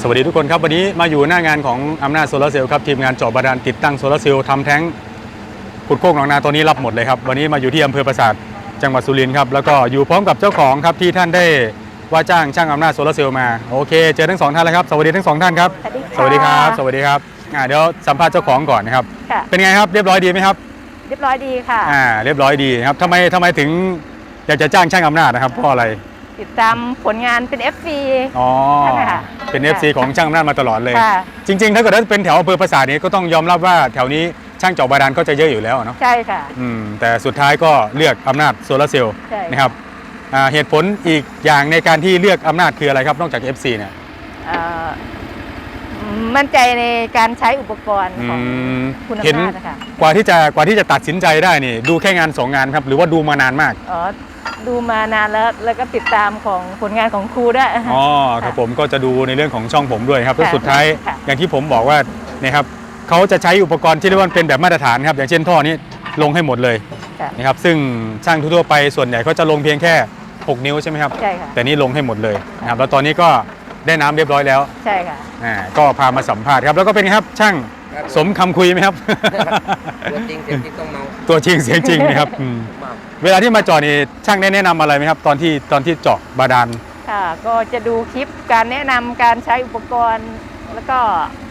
วัสดีทุกคนครับวันนี้มาอยู่หน้างานของอำนาจโซลาร์เซลล์ครับทีมงานเจาะบาดาลติดตั้งโซลาร์เซลล์ทำแท้งขุดโคกหนองนาตัวนี้รับหมดเลยครับวันนี้มาอยู่ที่อำเภอปราสาทจังหวัดสุรินทร์ครับแล้วก็อยู่พร้อมกับเจ้าของครับที่ท่านได้ว่าจ้างช่างอำนาจโซลาร์เซลล์มาโอเคเจอทั้งสองท่านแล้วครับสวัสดีทั้งสองท่านครับสวัสดีครับสวัสดีครับเดี๋ยวสัมภาษณ์เจ้าของก่อนนะครับเป็นไงครับเรียบร้อยดีไหมครับเรียบร้อยดีค่ะเรียบร้อยดีครับทำไมถึงอยากจะจ้างช่างอำนาจนะครับเพราะอะไรติดตามผลงานเป็น FC อ๋อเป็น FC ของช่างอำนาจมาตลอดเลยจริงๆถ้าเกิดว่าเป็นแถวอำเภอปราสาทนี้ก็ต้องยอมรับว่าแถวนี้ช่างเจาะบาดาลก็จะเยอะอยู่แล้วเนาะใช่ค่ะแต่สุดท้ายก็เลือกอำนาจโซลาร์เซลล์นะครับเหตุผลอีกอย่างในการที่เลือกอำนาจคืออะไรครับนอกจาก FC เนี่ยมั่นใจในการใช้อุปกรณ์ของคุณอำนาจนะคะกว่าที่จะตัดสินใจได้นี่ดูแค่งาน2 งานครับหรือว่าดูมานานมากดูมานานแล้วก็ติดตามของผลงานของครูด้วยครับผมก็จะดูในเรื่องของช่องผมด้วยครับแล้วสุดท้ายอย่างที่ผมบอกว่าเนี่ยครับเขาจะใช้อุปกรณ์ที่เรียกว่าเป็นแบบมาตรฐานครับอย่างเช่นท่อนี้ลงให้หมดเลยนะครับซึ่งช่างทั่วไปส่วนใหญ่เขาจะลงเพียงแค่6 นิ้วใช่ไหมครับใช่ค่ะแต่นี่ลงให้หมดเลยนะครับแล้วตอนนี้ก็ได้น้ำเรียบร้อยแล้วใช่ค่ะก็พามาสัมภาษณ์ครับแล้วก็เป็นไงครับช่างสมคำคุยไหมครับตัวจริงเสียงจริงต้องเมาตัวจริงเสียงจริงนะครับเวลาที่มาเจาะนี่ช่างแนะนำอะไรไหมครับตอนที่เจาะบาดาลค่ะก็จะดูคลิปการแนะนำการใช้อุปกรณ์แล้วก็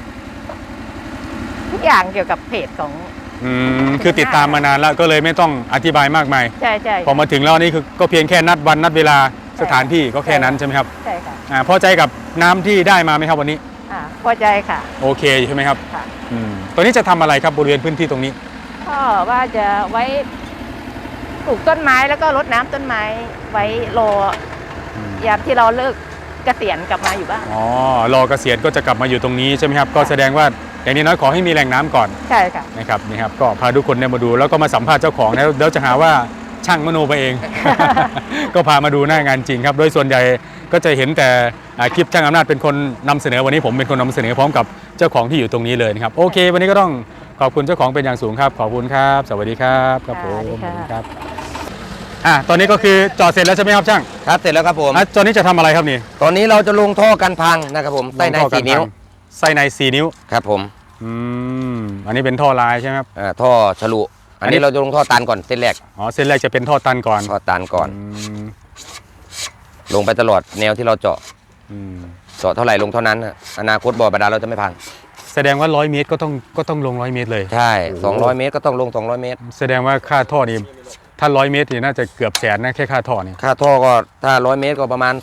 ทุกอย่างเกี่ยวกับเพจของคือติดตามมานานแล้วก็เลยไม่ต้องอธิบายมากมายใช่พอมาถึงแล้วนี่คือก็เพียงแค่นัดวันนัดเวลาสถานที่ก็แค่นั้นใช่ไหมครับใช่ค่ะพอใจกับน้ำที่ได้มาไหมครับวันนี้พอใจค่ะโอเคใช่ไหมครับตัวนี้จะทำอะไรครับบริเวณพื้นที่ตรงนี้ก็ว่าจะไว้ปลูกต้นไม้แล้วก็รดน้ำต้นไม้ไว้รอยามที่เราเลิกเกษียณกลับมาอยู่บ้านรอเกษียณก็จะกลับมาอยู่ตรงนี้ใช่ไหมครับก็แสดงว่าอย่างนี้น้อยขอให้มีแหล่งน้ำก่อนใช่ค่ะนะครับนี่ครับก็พาทุกคนมาดูแล้วก็มาสัมภาษณ์เจ้าของแล้วเดี๋ยวจะหาว่าช่างมโนไปเอง ก็พามาดูหน้างานจริงครับโดยส่วนใหญ่ก็จะเห็นแต่คลิปช่างอำนาจเป็นคนนำเสนอวันนี้ผมเป็นคนนำเสนอพร้อมกับเจ้าของที่อยู่ตรงนี้เลยนะครับโอเควันนี้ก็ต้องขอบคุณเจ้าของเป็นอย่างสูงครับขอบคุณครับสวัสดีครับครับผมครับตอนนี้ก็คือจอดเสร็จแล้วใช่ไหมครับช่างครับเสร็จแล้วครับผมตอนนี้จะทำอะไรครับนี่ตอนนี้เราจะลงท่อกันพังนะครับผมไส้ใน4 นิ้วไส้ใน4 นิ้วครับผมอันนี้เป็นท่อลายใช่ไหมครับท่อฉลุอันนี้เราจะลงท่อตันก่อนเส้นแรกเส้นแรกจะเป็นท่อตันก่อนท่อตันก่อนลงไปตลอดแนวที่เราเจาะเท่าไหร่ลงเท่านั้นอนาคตบ่อบาดาลเราจะไม่พังแสดงว่า100 เมตรก็ต้องลง100 เมตรเลยใช่200 เมตรก็ต้องลง200 เมตรแสดงว่าค่าท่อนี่ถ้า100 เมตรนี่น่าจะเกือบแสนนะแค่ค่าท่อนี่ค่าท่อก็ถ้า100 เมตรก็ประมาณ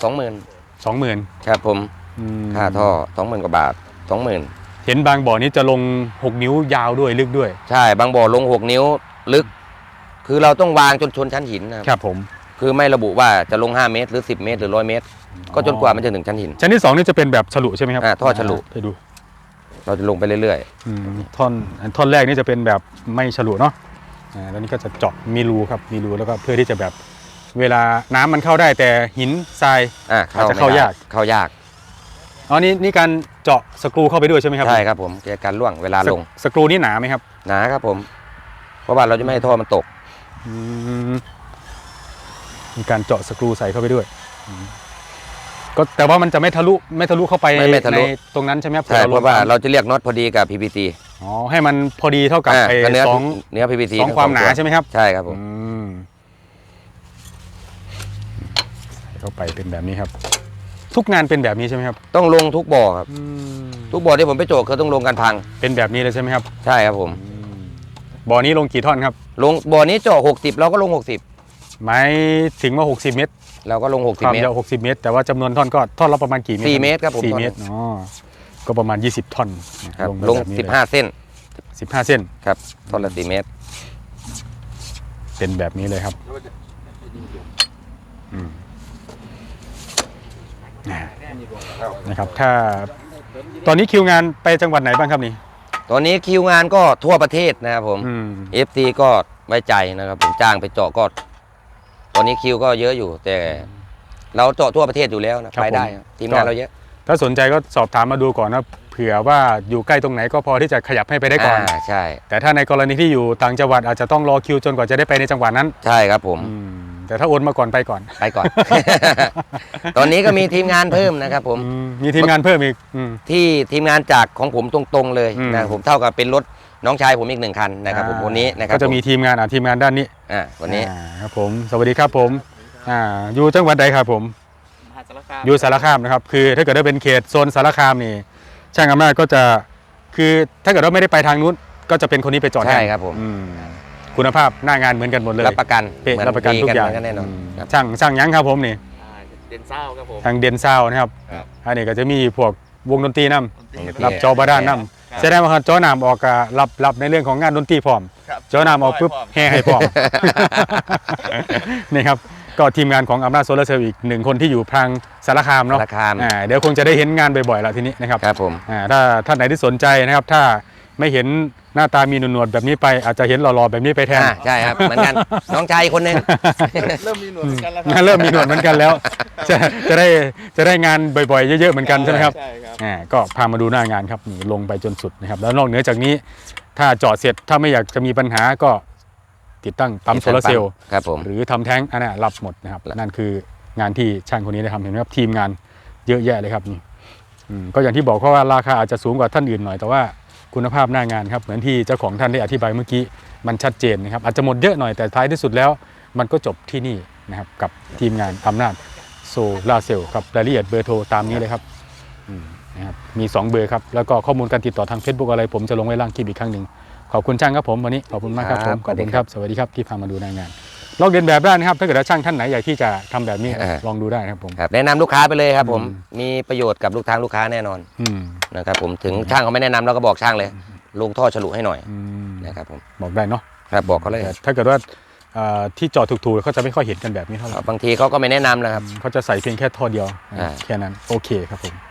20,000 ครับผมค่าท่อ 20,000 กว่าบาท 20,000 เห็นบางบ่อนี้จะลง6 นิ้วยาวด้วยลึกด้วยใช่บางบ่อลง6 นิ้วลึกคือเราต้องวางจนชนชั้นหินนะครับผมคือไม่ระบุว่าจะลง5 เมตรหรือ10 เมตรหรือ100 เมตรก็จนกว่ามันจะถึงชั้นหินชั้นที่2นี่จะเป็นแบบฉลุใช่ไหมครับท่อฉลุไปดูเราจะลงไปเรื่อยๆท่อนแรกนี่จะเป็นแบบไม่ฉลุเนาะแล้วนี่ก็จะเจาะมีรูครับมีรูแล้วก็เพื่อที่จะแบบเวลาน้ำมันเข้าได้แต่หินทรายอาจจะเข้ายากนี่การเจาะสกรูเข้าไปด้วยใช่ไหมครับใช่ครับผมเกี่ยวกับการล่วงเวลาลงสกรูนี่หนาไหมครับหนาครับผมเพราะว่าเราจะไม่ให้ท่อมันตกมีการเจาะสกรูใส่เข้าไปด้วยก็แต่ว่ามันจะไม่ทะลุเข้าไปในตรงนั้นใช่ไหมครับใช่เพราะว่าเราจะเรียกน็อตพอดีกับ PVC ให้มันพอดีเท่ากับเนื้อ PVC 2 ความหนาใช่ไหมครับใช่ครับผมเข้าไปเป็นแบบนี้ครับทุกงานเป็นแบบนี้ใช่ไหมครับต้องลงทุกบ่อครับทุกบ่อที่ผมไปโจกเขาต้องลงกันพังเป็นแบบนี้เลยใช่ไหมครับใช่ครับผมบ่อนี้ลงกี่ท่อนครับลงบ่อนี้เจาะ60เราก็ลง60 หมายถึงว่า60 เมตรเราก็ลง60 เมตร 60 เมตรแต่ว่าจำนวนท่อนก็ท่อนละประมาณกี่เมตร 4 เมตรครับผม 4 เมตรก็ประมาณ20 ท่อนลง15 เส้น 15 เส้นครับท่อนละ4 เมตรเป็นแบบนี้เลยครับนะครับถ้าตอนนี้คิวงานไปจังหวัดไหนบ้างครับนี่ตอนนี้คิวงานก็ทั่วประเทศนะครับผม FC ก็ไว้ใจนะครับผมจ้างไปเจาะก็ตอนนี้คิวก็เยอะอยู่แต่เราเจาะทั่วประเทศอยู่แล้วนะไปได้ทีมงานเราเยอะถ้าสนใจก็สอบถามมาดูก่อนนะเผื่อว่าอยู่ใกล้ตรงไหนก็พอที่จะขยับให้ไปได้ก่อนใช่แต่ถ้าในกรณีที่อยู่ต่างจังหวัดอาจจะต้องรอคิวจนกว่าจะได้ไปในจังหวัดนั้นใช่ครับผมแแต่ถ้าโอนมาก่อนไปก่อนไปก่อน ตอนนี้ก็มีทีมงานเพิ่มนะครับผมมีทีมงานเพิ่มอีกที่ทีมงานจากของผมตรงๆเลยอืมนะครับผมเท่ากับเป็นรถน้องชายผมอีก1 คันนะครับผมวันนี้นะครับก็จะมีทีมงานทีมงานด้านนี้วันนี้ครับผมสวัสดีครับผมอยู่จังหวัดใดครับผมมหาสารคามอยู่สารคามนะครับคือถ้าเกิดว่าเป็นเขตโซนสารคามนี่ช่างอำนาจก็จะคือถ้าเกิดว่าไม่ได้ไปทางนู้นก็จะเป็นคนนี้ไปจอดใช่แทนครับผมคุณภาพหน้างานเหมือนกันหมดเลยรับประกันเป๊ะเหมือนรับประกันทุกอย่างดีแน่นอนครับช่างยั้งครับผมนี่เด่นเศร้าครับผมทางเดนซาวนะครับครับอันนี้ก็จะมีพวกวงดนตรีนำโอเครับจอบาด้านนำแสดงว่าจอนำออกก็รับในเรื่องของงานดนตรีพร้อมครับจอนำออกปุ๊บแห่ให้พร้อม นี่ครับก็ทีมงานของอำนาจโซลาร์เซลล์อีก1 คนที่อยู่ทางสารคามเนาะสารคามเดี๋ยวคงจะได้เห็นงานบ่อยๆแล้วทีนี้นะครับครับผมถ้าท่านไหนที่สนใจนะครับ ถ้าไม่เห็นหน้าตามีหนวดๆแบบนี้ไปอาจจะเห็นหล่อๆแบบนี้ไปแทนใช่ครับเหมือนกันน้องชายคนหนึงเริ่มมีหนวดเหมือนกันแล้วครัเริ่มมีหนวดเหมือนกันแล้ว จะได้งานบ่อยๆเยอะๆเหมือนกันใช่ไหมครับใช่ครับก็พามาดูหน้างานครับนี่ลงไปจนสุดนะครับแล้วนอกเหนือจากนี้ถ้าจอดเสร็จถ้าไม่อยากจะมีปัญหาก็ติดตั้งปั๊มโซลาร์เซลล์ครับผมหรือทำแท้งอันนั้นรับหมดนะครับนั่นคืองานที่ช่างคนนี้ได้ทำเห็นไหมครับทีมงานเยอะแยะเลยครับนี่ก็อย่างที่บอกเพราะว่าราคาอาจจะสูงกว่าท่านอื่นหน่อยแต่ว่าคุณภาพหน้างานครับเหมือนที่เจ้าของท่านได้อธิบายเมื่อกี้มันชัดเจนนะครับอาจจะหมดเยอะหน่อยแต่ท้ายที่สุดแล้วมันก็จบที่นี่นะครับกับทีมงานอำนาจโซลาร์เซลล์ครับรายละเอียดเบอร์โทรตามนี้เลยครับนะครับมี2 เบอร์ครับแล้วก็ข้อมูลการติดต่อทาง Facebook อะไรผมจะลงไว้ล่างคลิปอีกครั้งหนึ่งขอบคุณช่างครับผมวันนี้ขอบคุณมากครับผมขอบคุณครับสวัสดีครับที่พามาดูหน้างานลองเรียนแบบได้นะครับถ้าเกิดว่าช่างท่านไหนอยากที่จะทำแบบนี้ลองดูได้นะครับผมครับแนะนำลูกค้าไปเลยครับผมมีประโยชน์กับลูกค้าแน่นอนนะครับผมถึงช่างเขาไม่แนะนำเราก็บอกช่างเลยลงท่อฉลุให้หน่อยนะครับผมบอกได้เนาะครับบอกเขาเลยถ้าเกิดว่าที่จอดถูกๆเขาจะไม่ค่อยเห็นกันแบบนี้เท่าไหร่บางทีเขาก็ไม่แนะนำนะครับเขาจะใส่เพียงแค่ท่อเดียวอ่าแค่นั้นโอเคครับผม